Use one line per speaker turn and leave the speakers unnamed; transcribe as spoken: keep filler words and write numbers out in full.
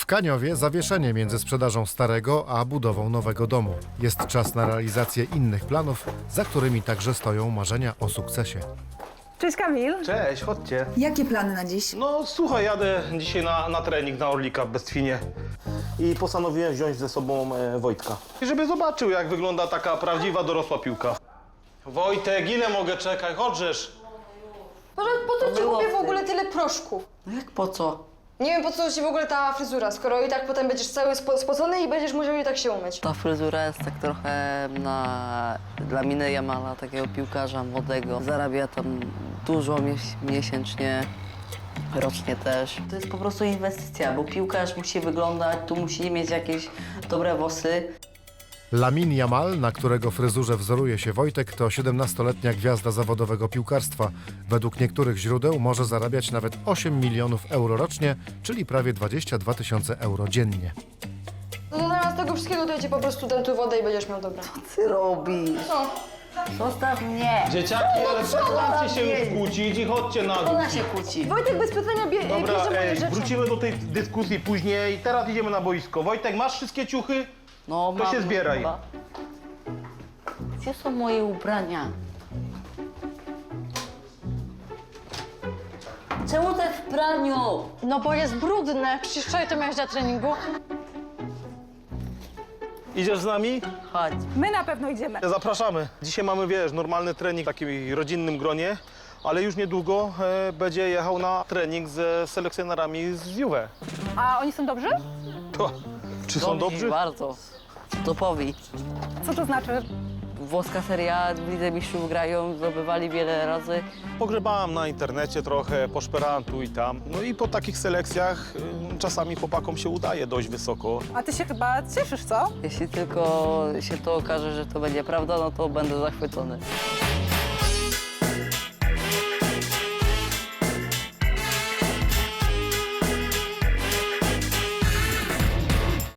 W Kaniowie zawieszenie między sprzedażą starego a budową nowego domu. Jest czas na realizację innych planów, za którymi także stoją marzenia o sukcesie.
Cześć Kamil.
Cześć, chodźcie.
Jakie plany na dziś?
No słuchaj, jadę dzisiaj na, na trening na Orlika w Bestwinie i postanowiłem wziąć ze sobą e, Wojtka. I żeby zobaczył, jak wygląda taka prawdziwa dorosła piłka. Wojtek, ile mogę czekać? Chodźesz.
Może po co ci kupię w ogóle tyle proszków?
No jak po co?
Nie wiem, po co ci w ogóle ta fryzura, skoro i tak potem będziesz cały spo spocony i będziesz musiał i tak się umyć.
Ta fryzura jest tak trochę na... dla Miny Jamala, takiego piłkarza młodego. Zarabia tam dużo mies miesięcznie, rocznie też. To jest po prostu inwestycja, bo piłkarz musi wyglądać, tu musi mieć jakieś dobre włosy.
Lamine Yamal, na którego fryzurze wzoruje się Wojtek, to siedemnastoletnia gwiazda zawodowego piłkarstwa. Według niektórych źródeł może zarabiać nawet osiem milionów euro rocznie, czyli prawie dwadzieścia dwa tysiące euro dziennie.
No to zamiast tego wszystkiego to ja ci po prostu dam tu wodę i będziesz miał dobre.
Co ty robisz?
No.
Zostaw mnie!
Dzieciaki, ale przestańcie się już kłócić i chodźcie na dół.
Ona się kłóci.
Wojtek bez pytania bie
Dobra,
bierze moje
ej,
rzeczy.
wrócimy do tej dyskusji później. Teraz idziemy na boisko. Wojtek, masz wszystkie ciuchy?
No,
To
mam
się zbieraj.
chyba. Gdzie są moje ubrania? Czemu te w praniu?
No bo jest brudne, przecież wczoraj to miałeś na treningu.
Idziesz z nami?
Chodź.
My na pewno idziemy.
Zapraszamy. Dzisiaj mamy, wiesz, normalny trening w takim rodzinnym gronie, ale już niedługo e, będzie jechał na trening ze selekcjonerami z Juve.
A oni są dobrzy?
To, czy są dobrzy?
Bardzo. Topowi.
Co to znaczy?
Włoska seria, w Lidze Mistrzów grają, zdobywali wiele razy.
Pogrzebałem na internecie trochę, poszperałem tu i tam. No i po takich selekcjach y, czasami chłopakom się udaje dość wysoko.
A ty się chyba cieszysz, co?
Jeśli tylko się to okaże, że to będzie prawda, no to będę zachwycony.